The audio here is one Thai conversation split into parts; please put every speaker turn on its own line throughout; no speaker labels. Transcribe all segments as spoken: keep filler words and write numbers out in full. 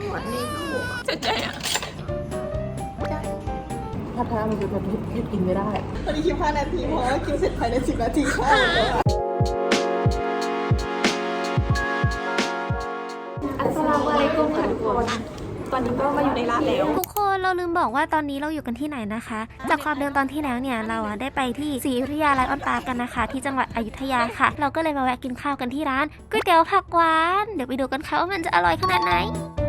หมดในลูกจะใจอ่ะ
ถ้าทำมันจะแบบยืดกินไม่ได้ตอนนี้คิวห้านาทีเพราะว่ากินเสร็จภายในสิบนาทีค่ะอัสสลามุอะลัยกุมค่ะทุกคนตอนนี้ก็มาอยู่ในร้านแล้ว
ทุกคนเราลืมบอกว่าตอนนี้เราอยู่กันที่ไหนนะคะ จากความเดิมตอนที่แล้วเนี่ยเราอะได้ไปที่ศรีอยุธยาไลออนปาร์คกันนะคะที่จังหวัดอยุธยาค่ะเราก็เลยมาแวะกินข้าวกันที่ร้านก๋วยเตี๋ยวผักหวานเดี๋ยวไปดูกันค่ะว่ามันจะอร่อยขนาดไหน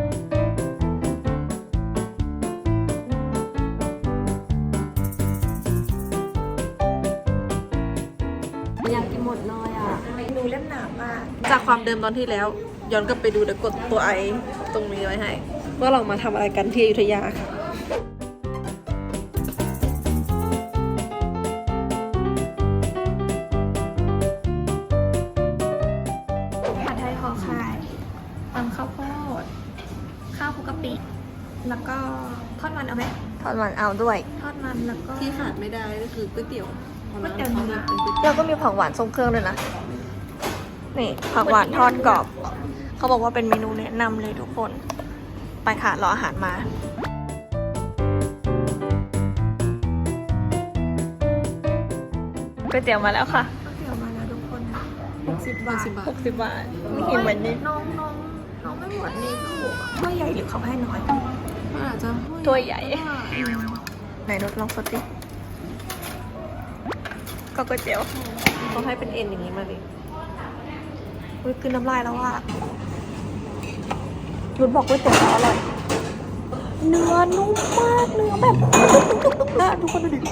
อยากกินหมดเลยอ่ะดูเล่มหนามาก
จากความเดิมตอนที่แล้วย้อนกลับไปดูเดี๋ยวกดตัวไอตรงนี้ไว้ให้ว่าเรามาทำอะไรกันที่อยุธยาค่ะ
ผัดไทยห่อไข่ตำข้าวโพดข้าวคลุกกะปิแล้วก็ทอดมันเอาไหม
ทอดมันเอาด้วย
ทอดมันแล้วก็
ที่ขาดไม่ได้ก็คือก๋วยเตี๋ยว
ก๋วยเตี๋ยวเนื้อ
เราก็มีผักหวานทรงเครื่องด้วยนะนี่ผักหวานทอดกรอบเขาบอกว่าเป็นเมนูแนะนำเลยทุกคนไปค่ะรออาหารมาก๋วยเตี๋ยวมาแล้วค่ะ
ก๋วยเตี๋ยวมาแล้วทุกคนหกสิบบาท
สิบบาท
หกสิบบาทไม่กินเหมือนนี้
น้องน้องน้องไม่หมดในลูก
ถ้วยใหญ่หรือเขาให้น้อย
มันอาจจะ
ถ้วยใหญ่ไหนรสลองสดดิก็ก๋วยเตี๋ยว
เขาให้เป็นเอ็นอย่างนี้มาดิ
อุ้ยกินน้ำลายแล้วอ่ะรุดบอกก๋วยเตี๋ยวอร่อยเนื้อนุ่มมากเนื้อแบบตุ๊บๆๆๆทุกคนดูดิ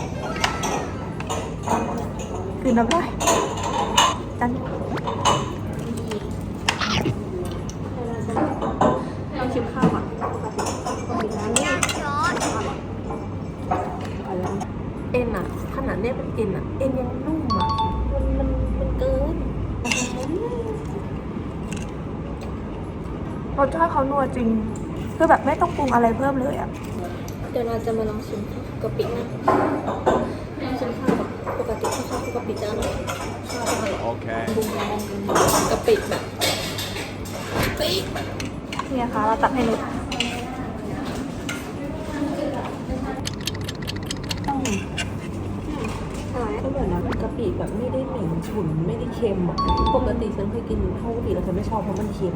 กินน้ำลายจัน
เราชิมข้าวอ่ะเอ็นอ่ะขนาดเนี้ยเป็นเอ็นอ่ะเอ็นยังนุ่มอ่ะมันมันมันเกิน
รสชาติเขานัวจริงคือแบบไม่ต้องปรุงอะไรเพิ่มเลยอ่ะ
เดี๋ยวเราจะมาลองชิมกะปินะชิมข้าวแบบปกติถ้าข้าวคลุกกะปิจะอร่อยข้าวอร่อย
Okay.
บุ้งกะปิแบบปี
นี่นะคะเราตักให้นุช
ก็เหมือนนะกะปิแบบไม่ได้เหม็นฉุนไม่ได้เค็มอ่ะปกติฉันเคยกินข้าวกะปิแล้วฉันไม่ชอบเพราะมันเค็ม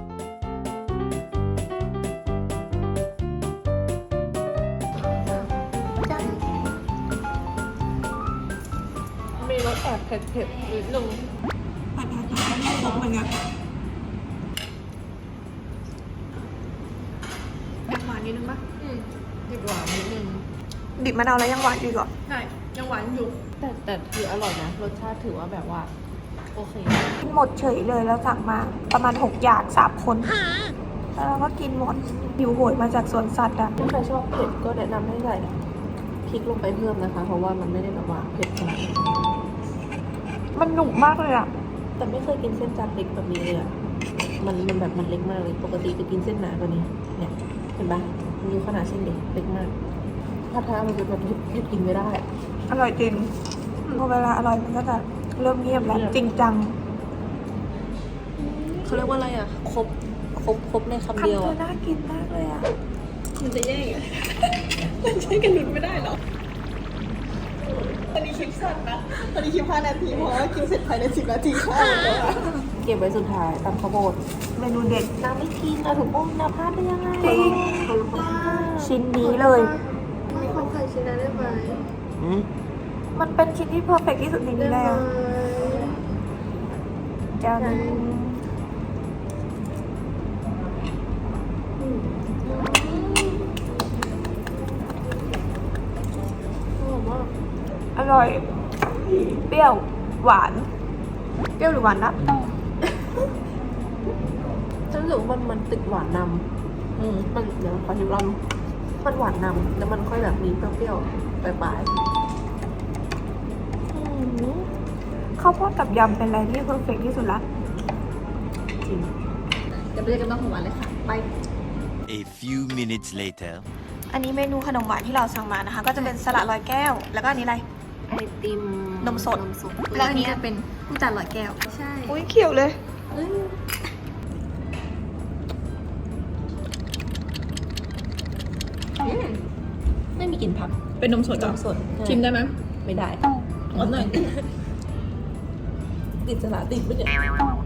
มีรสแอบเผ็ดๆนิดนึงผัดผัดผัดไม่ตกเหมือนกันแอบหวานนิดนึงปะอืมดิบหวานนิดนึง
ดิบมะนาวแล้วยังหวานอยู่หรอ
ใช่ยังหวานอยู่แต่แต่คืออร่อยนะรสชาติถือว่าแบบว่าโอเค
หมดเฉยเลยแล้วสั่งมาประมาณหกอย่างสามคนแล้วเราก็กินหมดหิวโหยมาจากสวนสัตว์อ่ะ
ถ้าใครชอบเผ็ดก็แนะนำให้ใส่พริกลงไปเพิ่มนะคะ เพราะว่ามันไม่ได้แบบว่าเผ็ดขนาดนั้น
มันหนุกมากเลยอ่ะ
แต่ไม่เคยกินเส้นจัดเล็กแบบนี้เลยอะมันมันแบบมันเล็กมากเลยปกติจะกินเส้นหนากว่านี้เนี่ยเห็นปะมันอยู่ขนาดเส้นเด็กเล็กมากถ้าท้ามันจะแบบยืดกินไม่ได้
อร่อยจริงพอเวลาอร่อยมันก็จะเริ่มเงียบแล้วจริงจัง
เขาเรียกว่าอะไรอะครบครบครบในคำเดียว
คำเธอ
อะ
น่ากินมากเลยอ่ะ
มันจะแย่งอะมันใช้กันหลุดไม่ได้หรอตอนนี้คลิปสั้นนะตอนนี้คลิปห้านาทีเพราะว่ากินเสร็จภายในสิบนาทีค่ะเก็บไว้สุดท้ายตำข้าวโพด
เมนูเด็ด
น้ำไม่กินอะถูกต้องนะพลาดได้ยังไง
จริงชิ้นนี้เลย
มีความไข่ชิ้นนั้นได้ไหม
Hmm?
มันเป็นชิ้นที่เพอร์เฟกที่สุดในนี้แล้วจาน อร่อย เปรี้ยว หวาน เปรี้ยวหรือหวานนะ
ฉันรู้สึกว่ามันมันติดหวานนำอืมมันเดี๋ยวขอชิมลองมันหวานนำแล้วมันค่อยแบบมีเปรี้ยวๆปลาย
ข้าวโพดกับยำเป็นอะไรที่เพอร์เฟกที่สุดละ
ๆจริง
เดี๋ยวไปเจอกันบ้างของหวานเลยค่ะไป
A few minutes later.
อันนี้เมนูขนมหวานที่เราสั่งมานะคะ ก็จะเป็นสลัดลอยแก้ว แล้วก็อันนี้อะไร
ไอติม
นมสด
นมสด
แล้วอันนี้
จะเป็นผู้จัดลอยแก้วใช่
อุ้ยเขียวเลย
เอ้ย
กินผัก
เป็นนมสด
น
เหรอ
มสด
ชิมได้ไหม
ไม่ได้
ขอหน่อย
ติดสละติดไม่เนี่ย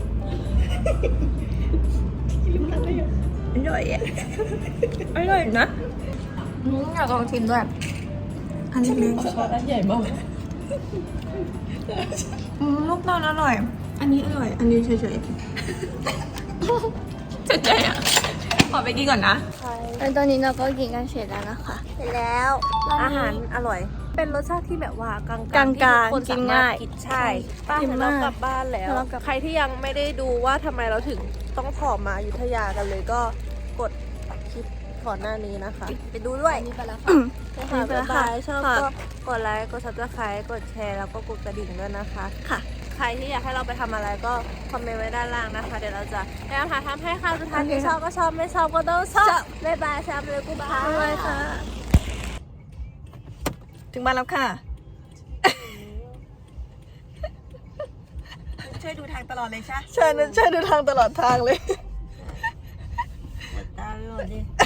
อร่อยอ่ะอร่อยนะอืมอยากลองชิมด้วยอันนี้เล็ก
ช้อนอันใหญ่มาก
อืมลูกตาลอร่อย อันนี้อร่อย อันนี้เฉยๆเฉยๆอ่ะขอไปกินก่อนนะ
แล้วตอนนี้เราก็กินกันเสร็จแล้วนะคะเสร็จแล้วอาหารอร่อย เป็นรสชาติที่แบบว่ากลางๆ
กลางๆ
ที่ทุคน
กิน
สมรถ
ง่าย
กินใช่ป้า
กิน
เดี๋ยว
มาก
เรากลับบ้านแล้ว
เรากลับ
ใครที่ยังไม่ได้ดูว่าทำไมเราถึงต้องถอมาอยุธยากันเลยก็กดคลิปก่อนหน้านี้นะคะ ไปดูด้วยนี่ไปแล้วค่ะค่ะบ๊ายบายชอบก็กดไลค์กด ซับสไครบ์ กดแชร์แล้วก็กดกระดิ่งด้วยนะคะค่ะใครที่อยากให้เราไปทำอะไรก็คอมเมนต์ไว้ด้านล่างนะคะ เดี๋ยวเราจะพยายามหาทำให้ค่ะสุดท้ายที่ชอบก็ชอบไม่ชอบก็ต้องชอบบ๊ายบายแซมเลยกูบายบ๊ายบายค่ะ
ถึงบ้านแล้วค่ะ ช่วยดูทางตลอดเลยใช่
ใช่นะใช่ดูทางตลอดทางเลย
ตามไปหมดดิ